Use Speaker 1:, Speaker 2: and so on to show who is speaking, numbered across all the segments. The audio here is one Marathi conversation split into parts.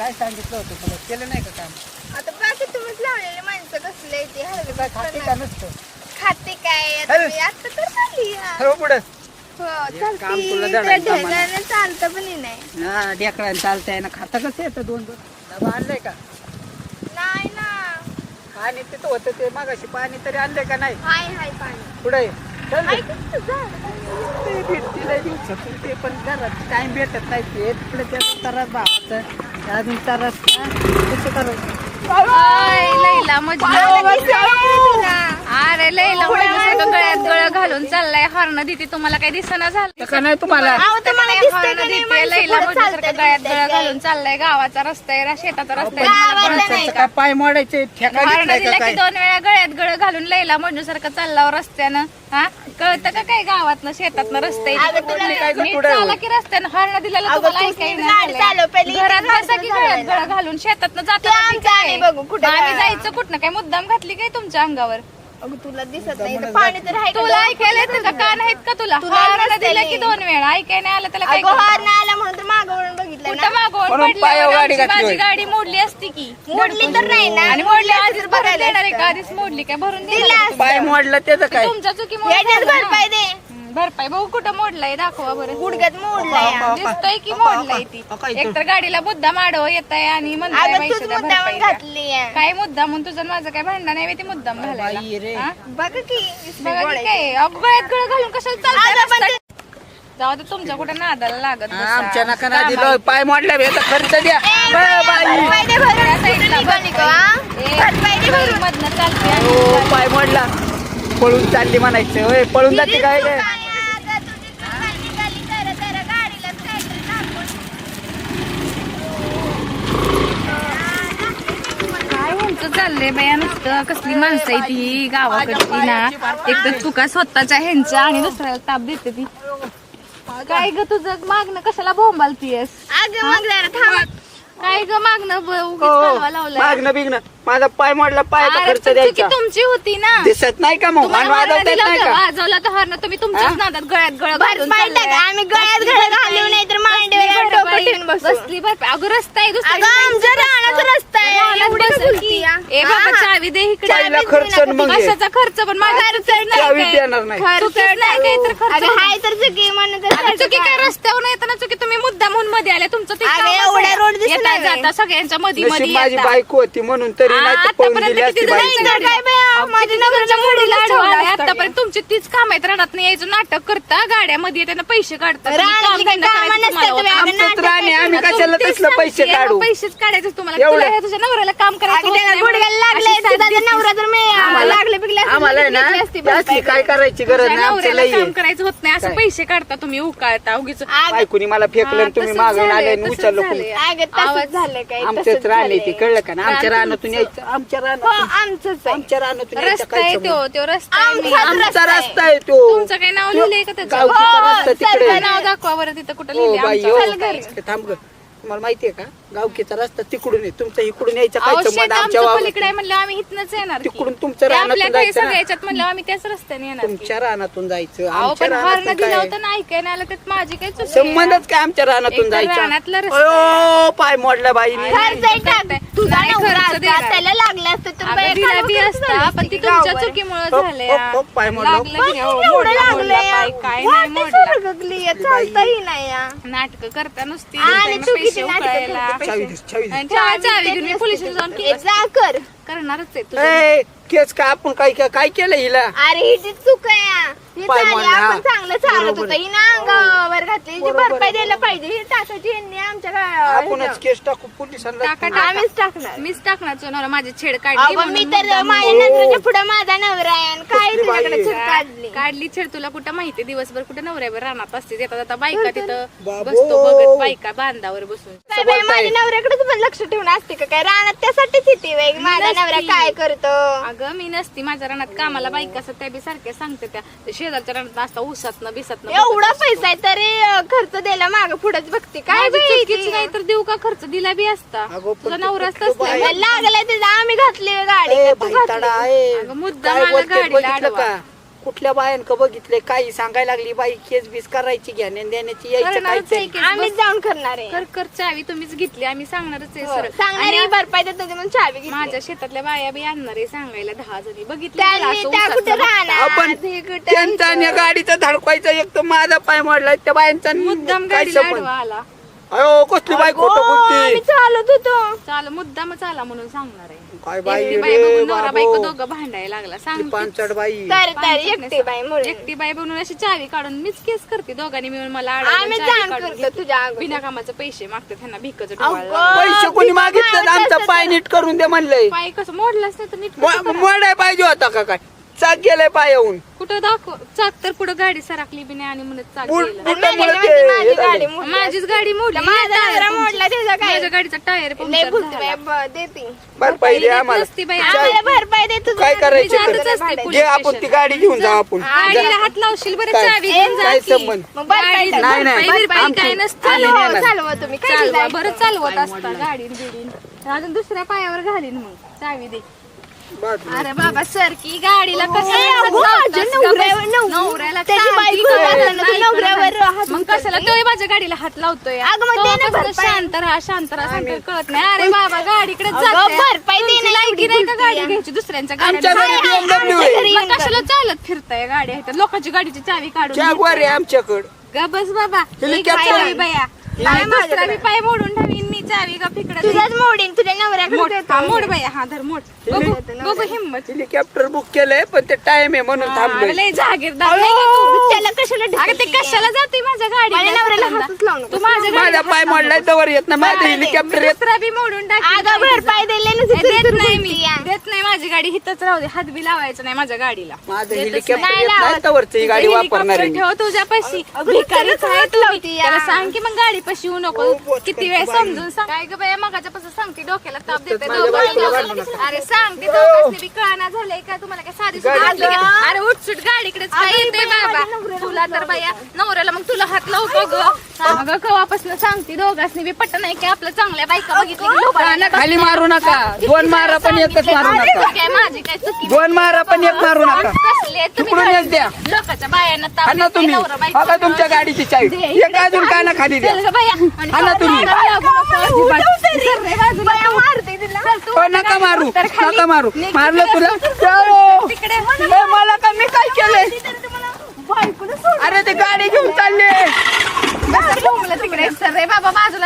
Speaker 1: काय सांगितलं होतं तुला, केलं नाही का काम?
Speaker 2: आता बाकी तुम्हीच लावलेले माणसं कसले ते
Speaker 1: तू काय खाते का नुसतं?
Speaker 2: खाते काय
Speaker 1: हॅलो.
Speaker 2: आता तर चालली
Speaker 1: हो पुढं
Speaker 2: हो
Speaker 1: काम तुला
Speaker 2: चालते
Speaker 1: धडायचं आम्हाला.
Speaker 2: ढगाने चालतं पण नाही
Speaker 1: हा ढेकळायला चालतंय ना, खाता कसं येतं 2-2 डबा आणलंय का?
Speaker 2: नाही ना.
Speaker 1: पाणी तिथं होतं ते मागाशी, पाणी तरी आणलंय का नाही?
Speaker 2: हाय हाय पाणी
Speaker 1: पुढे चल
Speaker 2: हाय किती झाड.
Speaker 1: ते भेटतील लय दिवसातून, ते पण घरात टाइम भेटत नाही. ते तिकडे त्याचा त्रास भावाचा अजून त्रास कसं करायचं?
Speaker 3: लैला मजनू अरे लैला मजनू सारखं गळ्यात गळ घालून चाललाय. हॉर्न देते तुम्हाला काही दिसना झालं
Speaker 1: का नाही तुम्हाला?
Speaker 2: अहो, तुम्हाला दिसतंय का नाही
Speaker 3: देते
Speaker 2: माणसं
Speaker 3: लैला
Speaker 2: पुढं
Speaker 3: मजनू सारखं
Speaker 2: चालतात
Speaker 3: गळ्यात
Speaker 2: तिथे
Speaker 3: गळ
Speaker 2: काय?
Speaker 3: घालून चाललाय. गावाचा रस्ता आहे, शेताचा रस्ता आहे.
Speaker 2: गावाला
Speaker 3: तुम्हाला
Speaker 2: नाही
Speaker 3: कळत
Speaker 1: का पाय मोडायचे ठेका
Speaker 3: हॉर्न
Speaker 1: घेतलाय
Speaker 3: दिला
Speaker 1: का
Speaker 3: की
Speaker 1: काय?
Speaker 3: 2 वेळा गळ्यात गळ घालून लैला मजनू सारखं चालला रस्त्यानं. हा कळतं का काय गावातनं शेतातनं रस्ते
Speaker 2: अगं, तुला काय
Speaker 1: गं,
Speaker 3: नीट
Speaker 1: पुढं?
Speaker 3: चाला की रस्त्यानं हॉर्न दिलेला
Speaker 2: अगं,
Speaker 3: तुम्हाला
Speaker 2: तूच
Speaker 3: ऐकाय
Speaker 2: नीट गाडी चालव, पहिली
Speaker 3: घरात
Speaker 2: इथे
Speaker 3: बसा की
Speaker 2: गाडी
Speaker 3: गळ्यात
Speaker 2: चालवायला.
Speaker 3: गळ घालून शेतातनं जाता
Speaker 2: ते
Speaker 3: का
Speaker 2: आमचं
Speaker 3: काय?
Speaker 2: आम्ही बघू, कुठं
Speaker 3: आम्ही
Speaker 2: काय?
Speaker 3: जायचं कुठनं काय मुद्दाम घातली काय तुमच्या अंगावर?
Speaker 2: अगं तुला दिसत नाही इथं पाणी तर आहे का?
Speaker 3: तुला ऐकायला येतं का? कान आहेत का तुला?
Speaker 2: तुला
Speaker 3: हॉर्न
Speaker 2: नसतं
Speaker 3: दिला
Speaker 2: नाही.
Speaker 3: की 2 वेळा ऐकाय नाही आलं त्याला काय
Speaker 2: अगं
Speaker 3: करणार?
Speaker 2: हॉर्न आला म्हणून तर मागं वळून बघितलं
Speaker 3: कुठं
Speaker 2: ना.
Speaker 3: मागवून
Speaker 1: म्हणून पायावर गाडी
Speaker 3: पडल्यावर
Speaker 1: घातली
Speaker 3: माझी
Speaker 1: होय.
Speaker 3: गाडी मोडली असती की.
Speaker 2: मोडली तर नाही ना.
Speaker 3: आणि मोडली आधीच भरून
Speaker 2: बघायला
Speaker 3: देणार आहे का?
Speaker 2: असतं.
Speaker 3: आधीच मोडली काय भरून
Speaker 2: दिला
Speaker 3: देणार
Speaker 2: असतं.
Speaker 1: पाय मोडला त्याचं काय?
Speaker 3: तुमच्या चुकीमुळे
Speaker 2: याच्यात
Speaker 3: झालं ना.
Speaker 2: भरपाई दे.
Speaker 3: भरपाई बघू कुठं मोडलाय दाखवा बरं.
Speaker 2: गुडघ्यात मोडलाय
Speaker 1: अहो,
Speaker 3: दिसतोय की
Speaker 1: अहो,
Speaker 3: मोडलाय ती.
Speaker 1: अहो, काय
Speaker 3: एक तर गाडीला मुद्दाम आडवं येत आहे आणि म्हणताय
Speaker 2: अगं
Speaker 3: पैसे
Speaker 2: तूच
Speaker 3: द्या,
Speaker 2: मुद्दामून
Speaker 3: भरपाई द्या.
Speaker 2: घातली आहे.
Speaker 3: काय मुद्दाम म्हणून तुझं आणि माझं काय भांडण नाही ते मुद्दाम
Speaker 1: बाई रे.
Speaker 3: घालायला हा?
Speaker 2: बघ की
Speaker 3: बघा की काय अगं गळ्यात गळ घालून कशाला चालताय
Speaker 2: अगं, पण
Speaker 3: रस्त्यात? जाऊ दे तुमच्या कुठे नादाला लागत
Speaker 1: हा,
Speaker 3: बसा.
Speaker 1: आमच्या नका ना
Speaker 3: कामाला.
Speaker 1: दिलं पाय मोडला याचा खर्च द्या. बाई
Speaker 2: भरपाई दे भरून.
Speaker 3: त्या साईडला
Speaker 2: कुठं निघाली का, हा?
Speaker 3: ए,
Speaker 2: भरपाई दे भरून.
Speaker 3: मधनं चालते आणि
Speaker 1: हो पाय मोडला, पळून चालली म्हणायचं होय. पळून जाते काय काय?
Speaker 2: अगं, तुझी चूक निघाली तर गाडीलाच काहीतरी टाकून.
Speaker 3: काय ह्यांचं चाललंय बाया नुसतं. कसली माणसं आहे ती गावाकडची ना. एक तर चुका स्वतःच्या ह्यांच्या आणि दुसऱ्याला ताप देते ती. काय ग तुझं मागणं कशाला बोंबालतीयस?
Speaker 2: अगं मग जरा थांब.
Speaker 3: काय ग मागणं उगीच
Speaker 1: हो,
Speaker 3: कालवा लावलाय?
Speaker 1: मागणं बिगणं माझा पाय मोडला, पायाचा
Speaker 3: अरे
Speaker 1: खर्च
Speaker 3: पण चुकी
Speaker 1: द्यायचा.
Speaker 3: तुमची होती ना.
Speaker 1: दिसत नाही का मग?
Speaker 3: तुम्हाला
Speaker 1: आणि
Speaker 3: हॉर्न
Speaker 1: वाजवता येत
Speaker 3: दिला
Speaker 1: नाही
Speaker 3: होता,
Speaker 1: का?
Speaker 3: वाजवला तर हॉर्न तुम्ही तुमच्याच नादात गळ्यात गळ घालून
Speaker 2: भरपाई टाक.
Speaker 3: चाललाय.
Speaker 2: आम्ही गळ्यात घळ घालू नाही तर मांडीवर डोकं ठेवून बसू.
Speaker 3: बसली भरपाई. अगं रस्ता आहे दुसरा.
Speaker 2: अगं आमच्या रानाचा रस्ता आहे.
Speaker 3: रानात
Speaker 2: एवढी
Speaker 3: बसल
Speaker 2: बोलती
Speaker 3: की.
Speaker 2: या.
Speaker 3: ए बाबा
Speaker 2: हा.
Speaker 3: चावी दे इकडे.
Speaker 1: चावीला खर्च न मग ये.
Speaker 3: कशाचा खर्च पण माझा
Speaker 2: खर्च
Speaker 1: चावी देणार नाही.
Speaker 3: चुकीच नाही काही तर खर्च
Speaker 2: अगं हाय तर चुकी म्हणून तर
Speaker 3: अगं चुकी काय रस्त्यावर येताना चुकी तुम्ही मुद्दा म्हणून मध्ये आले तुमचं ते
Speaker 2: अगं,
Speaker 3: कामच
Speaker 2: एवढा
Speaker 3: आहे.
Speaker 2: रोड दिसला
Speaker 3: येता
Speaker 2: नाही.
Speaker 3: जाता सगळ्यांच्या मध्ये
Speaker 1: नशीब
Speaker 3: मध्ये
Speaker 1: माझी
Speaker 3: येता.
Speaker 1: बायको होती म्हणून तरी नाही तर पळून
Speaker 3: आतापर्यंत
Speaker 1: गेली असती
Speaker 3: किती
Speaker 1: बाई.
Speaker 3: जणांनी
Speaker 2: तर काय बाया, माझ्या नवऱ्याच्या मुलीला ठेवलं असतं.
Speaker 3: आतापर्यंत तुमची तीच काम आहेत. रडात नाही यायचं नाटक करता गाड्यामध्ये त्यांना पैसे काढता तुम्ही
Speaker 2: रानातली
Speaker 3: काम
Speaker 2: काही
Speaker 3: धंदा
Speaker 2: कामं
Speaker 3: करायचं
Speaker 2: नसतात
Speaker 3: तुम्हाला
Speaker 2: बाई.
Speaker 3: होतं.
Speaker 1: आमचंच राणे, आम्ही कशाला
Speaker 3: तेच
Speaker 1: तसलं पैसे
Speaker 3: सांगते,
Speaker 1: काढू?
Speaker 3: पैसेच काढायचे तुम्हाला.
Speaker 1: एवढं?
Speaker 3: तुला हे तुझ्या नवऱ्याला काम करायचं
Speaker 2: अगं
Speaker 3: होत
Speaker 2: त्याला
Speaker 3: नाही
Speaker 2: गुडघ्याला
Speaker 3: म्हणून
Speaker 2: लागलंय
Speaker 3: अशी
Speaker 2: तुझा
Speaker 3: साथ
Speaker 2: नवरा तर मी लागले बिगले असते,
Speaker 1: आम्हाला आहे ना
Speaker 2: घेतली असती
Speaker 1: जास्ती
Speaker 2: भरपाई.
Speaker 1: काय करायची गरज
Speaker 3: तुझ्या
Speaker 1: नाही. आमचं
Speaker 3: नवऱ्याला
Speaker 1: लई
Speaker 3: काम
Speaker 1: आहे.
Speaker 3: करायचं होत नाही असं
Speaker 1: काय?
Speaker 3: पैसे काढता तुम्ही उकाळता उगीच.
Speaker 1: बायकोनी मला फेकलं आणि तुम्ही मागून आले आणि उचललं कोणी.
Speaker 2: अगं तसंच झालं काय
Speaker 1: आमचंच राणे ते कळलं का ना? आमच्या रानातून यायचं, आमच्या
Speaker 2: हो
Speaker 1: रानातून
Speaker 2: आमचंच आहे.
Speaker 1: आमच्या रानातून यायचं
Speaker 3: रस्ता
Speaker 1: काय
Speaker 3: आहे
Speaker 1: संबंध?
Speaker 3: तो रस्ता आहे मी.
Speaker 2: आमचा
Speaker 1: आमचा रस्ता आहे तो.
Speaker 3: तुमचं काय नाव लिहिलंय का त्याचं?
Speaker 1: गावकीचा
Speaker 3: हो,
Speaker 1: रस्ता तिकडे
Speaker 3: सरकार
Speaker 1: आहे.
Speaker 3: नाव दाखवा बरं तिथं कुठं
Speaker 1: हो
Speaker 3: लिहिलंय
Speaker 1: बाई
Speaker 3: आमचं.
Speaker 1: हो.
Speaker 3: चल घरी.
Speaker 1: थांब ग, तुम्हाला माहितीये का गावकीचा रस्ता तिकडून आहे, तुमचा इकडून यायचा काय
Speaker 3: अहो,
Speaker 1: संबंध
Speaker 3: शेत
Speaker 1: आमच्या
Speaker 3: आमचं
Speaker 1: वावरात?
Speaker 3: पलीकडे आहे म्हणलं आम्ही इथनच येणार की.
Speaker 1: तिकडून तुमच्या
Speaker 3: ते
Speaker 1: रानातून
Speaker 3: आपल्या काही
Speaker 1: जायचं ना.
Speaker 3: सगळ्याच्यात म्हणलं आम्ही त्याच रस्त्याने येणार की.
Speaker 1: तुमच्या रानातून जायचं,
Speaker 3: अहो
Speaker 1: आमच्या
Speaker 3: पण हॉर्न
Speaker 1: रानातून
Speaker 3: दिला
Speaker 1: काय?
Speaker 3: होता ना ऐकायला आलं त्यात माझी काही चूक आहे?
Speaker 1: संबंधच काय आमच्या रानातून
Speaker 3: एक तर
Speaker 1: जायचा?
Speaker 3: रानातला रस्ता
Speaker 1: अयो पाय मोडला बाई.
Speaker 2: खर्च आहे टाक. तुझा
Speaker 3: नाही
Speaker 2: नवरा
Speaker 3: खर्च
Speaker 2: असता,
Speaker 3: देणार.
Speaker 2: त्याला लागलं असतं तर
Speaker 3: अगं,
Speaker 2: बाई
Speaker 3: दिला
Speaker 2: कालवं
Speaker 3: बी
Speaker 2: कसं
Speaker 3: असता
Speaker 2: झालं
Speaker 3: पण ती
Speaker 2: असती
Speaker 3: तुमच्या
Speaker 2: गावावर.
Speaker 3: चुकीमुळे
Speaker 1: हो,
Speaker 3: झाले
Speaker 1: हो, हो, पाय मोडला.
Speaker 3: लागलं की हो,
Speaker 2: एवढं
Speaker 3: मोडला,
Speaker 2: लागलं
Speaker 3: मोडला
Speaker 2: या.
Speaker 3: पाय, काय नाही
Speaker 2: वाटतं
Speaker 3: मोडला.
Speaker 2: सरगगली या, चालतंही नाही या.
Speaker 3: नाटक करता नुसती
Speaker 2: आणि
Speaker 3: पैसे
Speaker 2: चुकीची नाटकं
Speaker 3: उकळायला.
Speaker 2: करते.
Speaker 1: चावी दे, चावी दे.
Speaker 3: आणि चावी घेऊन मी पोलीस जाऊन
Speaker 2: ए, जा कर.
Speaker 3: करणारच आहे तुझं.
Speaker 1: ए, केस का आपण काय काय केलं हिला?
Speaker 2: अरे ही जी चूक आहे या. ही
Speaker 1: पाय
Speaker 2: चालली,
Speaker 1: मोडला,
Speaker 2: आपण
Speaker 1: हा.
Speaker 2: चांगलं चालत
Speaker 1: बरोबर
Speaker 2: होतं
Speaker 1: आहे.
Speaker 2: ही ना अंगावर घातली हिची
Speaker 1: बरोबर
Speaker 2: भरपाई
Speaker 1: आहे,
Speaker 2: द्यायला
Speaker 1: बरोबर.
Speaker 2: पाहिजे ही टाकायची यांनी आमच्या
Speaker 1: आपणच केस टाकू पोलिसांना.
Speaker 3: टाका, टाका.
Speaker 2: आम्हीच टाकणार.
Speaker 3: मीच टाकणार चोनाला माझी छेड काढली
Speaker 2: अगं
Speaker 3: म्हणून
Speaker 2: मी तर
Speaker 3: मुद्दाम
Speaker 2: माझ्या नजरेच्या पुढे माझा नवरा आहे आणि काय
Speaker 1: कसली बाई
Speaker 2: तुझ्याकडे
Speaker 1: आहे?
Speaker 2: चूक काढली
Speaker 3: काढली छेड तुला कुठं माहिती दिवसभर कुठं नवऱ्यावर रानात असते येता जाता बायका तिथं
Speaker 1: बाबो.
Speaker 3: बसतो बघत बायका बांधावर बसून
Speaker 2: काय बाई, माझ्या नवऱ्याकडेच पण लक्ष ठेवून असते का काय रानात त्यासाठीच येते बाई माझा
Speaker 3: नसती.
Speaker 2: नवरा काय करतो
Speaker 3: अगं मी नसती माझ्या रानात कामाला बायका असतात त्या बी सारख्या सांगते त्या शेजारच्या रानात असता ऊसातनं बिसातनं
Speaker 2: एवढा पैसा आहे तरी खर्च द्यायला माग पुढेच बघते काय बाई
Speaker 3: चुकीच नाही तर देऊ का खर्च दिला बी असता
Speaker 1: अगं, पण
Speaker 3: तुझा
Speaker 1: तू
Speaker 3: नवरा
Speaker 1: कुठलं
Speaker 3: असताच
Speaker 1: बाई?
Speaker 3: नाही
Speaker 2: लागलाय तिथं आम्ही घातली गाडी
Speaker 1: ए,
Speaker 2: का तू
Speaker 1: भाईताडा
Speaker 2: घातली?
Speaker 1: आहे.
Speaker 3: अगं, मुद्दाम
Speaker 1: काय
Speaker 3: आला
Speaker 1: बोलते,
Speaker 3: गाडीला
Speaker 1: बघितलं
Speaker 3: आडवा.
Speaker 1: का? कुठल्या बायांक बघितले काही सांगायला लागली बाई केस बीस करायची घेण्या देण्याची यायचं
Speaker 3: करणारच आहे
Speaker 1: काय
Speaker 3: की.
Speaker 2: आम्हीच जाऊन करणार आहे
Speaker 3: कर कर चावी तुम्हीच घेतली आम्ही सांगणारच आहे
Speaker 2: हो,
Speaker 3: सरळ.
Speaker 2: सांगणारी
Speaker 3: आणि
Speaker 2: भरपाई देत होती म्हणून चावी घेतली.
Speaker 3: माझ्या शेतातल्या बाया बी आणणार आहे सांगायला 10 जणी बघितलं
Speaker 2: त्यांनी त्या कुठे राहणार
Speaker 1: आपण
Speaker 2: हे कुठे
Speaker 1: त्यांचा आणि या गाडीचा धडकायचा एक तर माझा पाय मोडलाय त्या बायांचा
Speaker 3: मुद्दाम
Speaker 1: काय
Speaker 3: गाडीला
Speaker 1: संबंध?
Speaker 3: आडवा आला.
Speaker 1: अयो कसली बाई खोटं
Speaker 2: आम्ही
Speaker 1: बोलते
Speaker 2: चालत होतो.
Speaker 3: चाल मुद्दामच आला म्हणून सांगणार आहे.
Speaker 1: काय बाई
Speaker 3: एकटी
Speaker 1: रे
Speaker 3: बाई बघून नवरा
Speaker 1: बाबो.
Speaker 3: बायको दोघं भांडायला लागला
Speaker 1: ती
Speaker 3: सांग
Speaker 1: पांचट बाई
Speaker 2: तर एकटी बाई म्हणून
Speaker 3: एकटी बाई बनवून अशी चावी काढून मीच केस करते दोघांनी मिळून मला
Speaker 2: आम्ही जाण करतो तुझ्या अगोदर.
Speaker 3: बिना कामाचे पैसे मागते त्यांना भिकच
Speaker 2: अगं.
Speaker 1: पैसे कोणी मागितलं आमचा पाय नीट करून दे म्हणलंय
Speaker 3: पाय कसं मोडलाच नाही तर नीट कसं करा?
Speaker 1: मोडाय पाहिजे होता का काय चाक गेलाय पायाहून
Speaker 3: कुठं दाखव चाक तर पुढे गाडी सराकली बी नाही आणि म्हणत चाक
Speaker 1: बुट-
Speaker 3: गेलं.
Speaker 1: बुट-
Speaker 2: नाही,
Speaker 1: त्यामुळे
Speaker 2: नाही,
Speaker 1: ते
Speaker 2: माझी
Speaker 1: हे झालं.
Speaker 2: गाडी मोडली.
Speaker 3: माझीच गाडी मोडली
Speaker 2: माझा
Speaker 3: टायर
Speaker 2: नवरा
Speaker 3: पंक्चर.
Speaker 2: मोडला त्याचा काय
Speaker 3: माझ्या गाडीचा टायर
Speaker 2: लय
Speaker 3: पंक्चर
Speaker 2: बोलते
Speaker 3: झाला.
Speaker 2: बाई, देते
Speaker 1: भरपाई दे
Speaker 3: देत
Speaker 1: आम्हाला
Speaker 3: नसती बाई.
Speaker 2: आम्हाला भरपाई दे तुझं.
Speaker 1: काय करायचं
Speaker 3: मी जातच
Speaker 1: तर?
Speaker 3: असते
Speaker 1: घे
Speaker 3: पोलीस
Speaker 1: आपण ती
Speaker 3: स्टेशनला.
Speaker 1: गाडी घेऊन जाऊ आपण
Speaker 3: गाडीला हात लावशील बरं
Speaker 1: काय?
Speaker 3: चावी घेऊन जा
Speaker 1: काय
Speaker 3: की.
Speaker 1: संबंध?
Speaker 2: मग भरपाई
Speaker 3: गाडीला
Speaker 2: दे.
Speaker 1: नाही, नाही.
Speaker 3: भरपाई बिरपाई
Speaker 1: आमची-
Speaker 3: काय नसतं.
Speaker 1: आम्ही
Speaker 2: चालवा
Speaker 1: नेणार.
Speaker 2: चालवा तुम्ही काय
Speaker 3: चालवा
Speaker 2: जायचं?
Speaker 3: बरं चालवत असता गाडीन बिडीन अजून दुसऱ्या पायावर घालीन मग चावी दे.
Speaker 1: बस.
Speaker 3: अरे बाबा सर की गाडीला कसं
Speaker 2: ए, अगो, अजून
Speaker 3: नवऱ्याला
Speaker 2: त्याची
Speaker 3: शांती
Speaker 2: बायको
Speaker 3: कर,
Speaker 2: जाताना तू
Speaker 3: नाही
Speaker 2: नवऱ्यावर
Speaker 3: करणार.
Speaker 2: हात
Speaker 3: मग कशाला
Speaker 2: उचलते?
Speaker 3: तो माझ्या गाडीला हात लावतोय
Speaker 2: अगं, मग दे ना
Speaker 3: तो कसं
Speaker 2: भरपाई.
Speaker 3: शांत राहा सांगतो कळत नाही. अरे बाबा गाडीकडे
Speaker 2: अगं, भरपाई दे ना,
Speaker 3: लायकी
Speaker 2: एवढी
Speaker 3: नाही का
Speaker 2: बोलती
Speaker 3: गाडी
Speaker 2: आहे.
Speaker 3: घ्यायची दुसऱ्यांच्या
Speaker 1: आमच्या
Speaker 3: गाड्या
Speaker 1: घरी BMW
Speaker 2: आमच्या
Speaker 1: आहे.
Speaker 2: घरी-
Speaker 3: मग कशाला चालत फिरताय गाडी आहेत लोकांची गाडीची चावी काढून
Speaker 1: जागवार आहे
Speaker 3: घेताय.
Speaker 1: आमच्याकडं
Speaker 3: ग बस बाबा
Speaker 1: हेलिकॉप्टर.
Speaker 3: एक चावी बाया
Speaker 2: काय
Speaker 3: काय दुसरा
Speaker 2: माझ्याकडे?
Speaker 3: बी पाय मोडून ठेवीन मी चावी का फिकडे
Speaker 2: तुझ्याच मोडीन तुझ्या नवऱ्याकडे
Speaker 3: मोड
Speaker 2: देतो.
Speaker 3: हा मोड बाया हा धर मोड बघू बघू हिंमत
Speaker 1: हेलिकॉप्टर बुक केलंय पण ते टाइम आहे म्हणून
Speaker 3: हा,
Speaker 1: थांबलोय
Speaker 3: लय जागीरदार नाही का तू?
Speaker 2: त्याला कशाला
Speaker 3: अगं ते
Speaker 2: ढकलते?
Speaker 3: कशाला जाते माझ्या
Speaker 2: माझ्या नवऱ्याला
Speaker 3: गाडीला
Speaker 2: हातच लावू नको.
Speaker 3: तू माझ्या
Speaker 1: माझा
Speaker 3: गाडीला
Speaker 1: पाय
Speaker 3: हात लावू
Speaker 1: मोडलाय
Speaker 3: नको.
Speaker 1: तवर येत नाही माझं
Speaker 3: नाही,
Speaker 1: हेलिकॉप्टर
Speaker 3: मी
Speaker 1: येत
Speaker 3: दुसरा बी मोडून टाकीन
Speaker 2: अगं
Speaker 3: गाडीचं.
Speaker 2: भरपाई दिले ना
Speaker 3: ए, देत नाही मी देत नाही माझी गाडी हिथच राहू दे हात बी लावायचं नाही माझ्या गाडीला
Speaker 1: माझं
Speaker 3: देतच
Speaker 1: हेलिकॉप्टर
Speaker 3: नाही.
Speaker 1: येत नाही तवरच ही गाडी
Speaker 3: हेलिकॉप्टर
Speaker 1: वापरणार आहे मी.
Speaker 3: ठेव तुझ्यापाशी
Speaker 2: अगं,
Speaker 3: भिकारीच
Speaker 2: त्याला
Speaker 3: आहे
Speaker 2: हात
Speaker 3: तू.
Speaker 2: लावती या.
Speaker 3: त्याला सांग की मग गाडी पाशी येऊ नको
Speaker 1: हो, बोच
Speaker 3: किती
Speaker 1: करते
Speaker 3: वेळ
Speaker 1: बाई.
Speaker 3: समजून सांग काय ग बाया मगाच्यापासून सांगते डोक्याला ताप देते
Speaker 1: माझ्या बायकोला घालू नका.
Speaker 3: अरे सांगते दोघांनी बी कळना झालंय का तुम्हाला काय साधी सुद्धा
Speaker 1: गाडी-
Speaker 3: वाटली का? अरे उठसूट गाडीकडेच काय येते बाबा तुला तर बाया नवऱ्याला मग तुला हात लावतो ग अगं कवापासून सांगते दोघांनी बी पट्ट नाही की आपलं चांगल्या बायका बघितली की लोकांना
Speaker 1: खाली मारू नका दोन मारा पण एकच मारू नका
Speaker 3: काय माझी काय चुकी
Speaker 1: दोन मारा पण एक मारू नका
Speaker 3: कसले तुम्ही
Speaker 1: तिकडून एक द्या
Speaker 3: लोकांच्या बायांना ताप
Speaker 1: हा ना
Speaker 3: देताय,
Speaker 1: तुम्ही
Speaker 3: नवरा बायको
Speaker 1: बघा तुमच्या गाडीची चावी
Speaker 3: दे,
Speaker 1: एक अजून काना खाली द्या
Speaker 3: चल ग बाया आणि
Speaker 1: हा ना तुम्ही.
Speaker 3: नादाला लागू नको अजिबात. सर रे बाजूला तू. चल तू
Speaker 1: हो नका मारू
Speaker 3: तर खाली.
Speaker 1: नका मारू
Speaker 3: निघ
Speaker 1: मारलं
Speaker 3: तिकडे.
Speaker 1: तुला जाओ.
Speaker 3: तिकडे
Speaker 1: ए, मला का मी काय केलंय अरे ते गाडी घेऊन चालले
Speaker 3: बस बोंबलं तिकडे सर रे बाबा बाजूला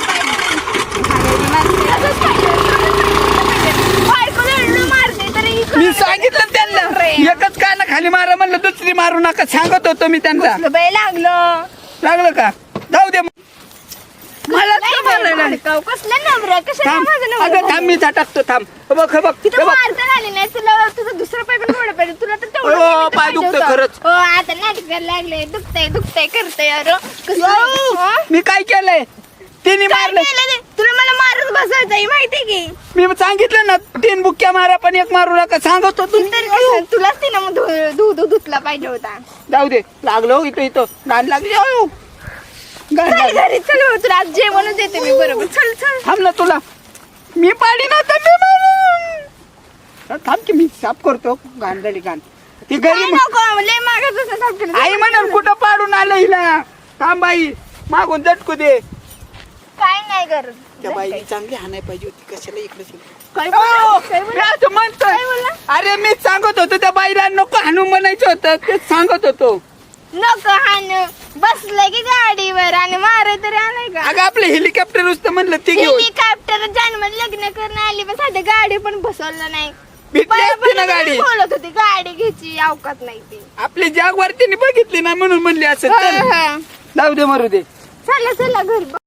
Speaker 1: मी सांगितलं त्यांना एकच काना खाली मारा म्हणलं दुसरी मारू नका सांगत होतो मी त्यांना
Speaker 2: लागलं
Speaker 1: लागलं का जाऊ दे मला का मारायला लागले?
Speaker 2: कसलं नवरा कशाला
Speaker 1: थांब
Speaker 2: माझं
Speaker 1: अगं
Speaker 2: नवरा
Speaker 1: थांब मी टाकतो थांब हे बघ हे बघ हे
Speaker 2: तिथं
Speaker 1: बघ
Speaker 2: मारता आली नाही तुला तुझं दुसरं पाय पण मोडं पाहिजे तुला तर तेवढं
Speaker 1: अयो,
Speaker 2: निमित्त
Speaker 1: पाय
Speaker 2: पाहिजे
Speaker 1: दुखतोय
Speaker 2: होतं.
Speaker 1: खरंच.
Speaker 2: हो आता नाटक करायला लागले दुखतंय करतंय अरे कसं
Speaker 1: यो,
Speaker 2: हो?
Speaker 1: मी काय केलंय तिने
Speaker 2: काय
Speaker 1: मारलं
Speaker 2: केलं ते? तुला मला मारत बसायचंय माहितीये की
Speaker 1: मी सांगितलं ना 3 बुक्क्या मारा पण एक मारू नका सांगत होतो
Speaker 2: तरी कसं तुलाच तिनं मग दूध धुतला पाहिजे होता
Speaker 1: जाऊ दे लागलो इथं इथं गाण लागली अयो. गाण
Speaker 2: चल
Speaker 1: लागली.
Speaker 2: घरी चल भाऊ, तुला आज जेवणच देते मी बरोबर चल चल
Speaker 1: थांब ना तुला मी पाडी ना तर मी मारेन. थांब की मी साफ करतो घाण झाली घाण ती घरी
Speaker 2: काय नको लय मागत असं सापडलं.
Speaker 1: आई म्हणाल कुठं पाडून आलं हिला थांब बाई मागून झटकू दे
Speaker 2: काय नाही करत
Speaker 1: त्या बाई चांगली हाणाय पाहिजे होती कशाला इकडे
Speaker 2: काय
Speaker 1: अहो,
Speaker 2: बोलला? काय बोलला?
Speaker 1: मी असं म्हणतोय. अरे मी सांगत होतो त्या बाईला नको हाणू म्हणायचं होतं तेच सांगत होतो
Speaker 2: नको हाण बसलं की गाडीवर आणि मारे तरी आलाय का
Speaker 1: अगं आपलं हेलिकॉप्टर नुसतं म्हणलं ती घेऊन
Speaker 2: हेलिकॉप्टर जन्मात लग्न करून आली पण साधं गाडी पण बसवलं नाही
Speaker 1: भेटली असती ना गाडी
Speaker 2: बोलत होती गाडी घ्यायची अवकात नाही ती
Speaker 1: आपली जागवार तिने बघितली ना म्हणून म्हणली असं चल. जाऊ दे मरू दे
Speaker 2: चला चला घरी